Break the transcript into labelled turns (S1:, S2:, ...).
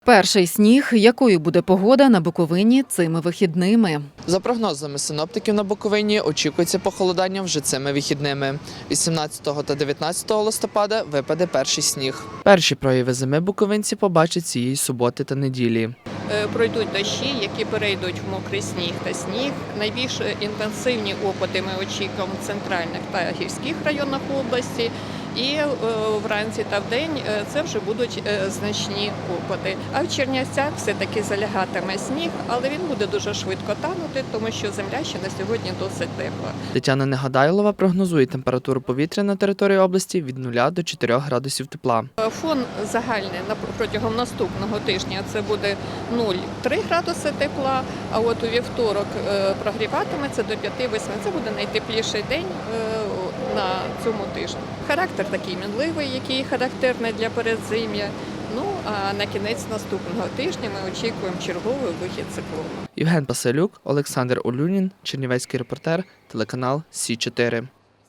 S1: Перший сніг. Якою буде погода на Буковині цими вихідними?
S2: За прогнозами синоптиків на Буковині очікується похолодання вже цими вихідними. 18 та 19 листопада випаде перший сніг. Перші прояви зими буковинці побачать цієї суботи та неділі.
S3: Пройдуть дощі, які перейдуть в мокрий сніг та сніг. Найбільш інтенсивні опади ми очікуємо в центральних та гірських районах області. І вранці та вдень це вже будуть значні опади. А в Чернівцях все-таки залягатиме сніг, але він буде дуже швидко танути, тому що земля ще на сьогодні досить тепла.
S2: Тетяна Негадайлова прогнозує температуру повітря на території області від 0 до 4 градусів тепла.
S3: Фон загальний протягом наступного тижня це буде 0,3 градуси тепла, а от у вівторок прогріватиметься до 5-8. Це буде найтепліший день на цьому тижні. Характер такий мінливий, який характерний для передзим'я. Ну, а на кінець наступного тижня ми очікуємо черговий вихід циклону.
S2: Євген Паселюк, Олександр Олюнін, Чернівецький репортер, телеканал Сі 4.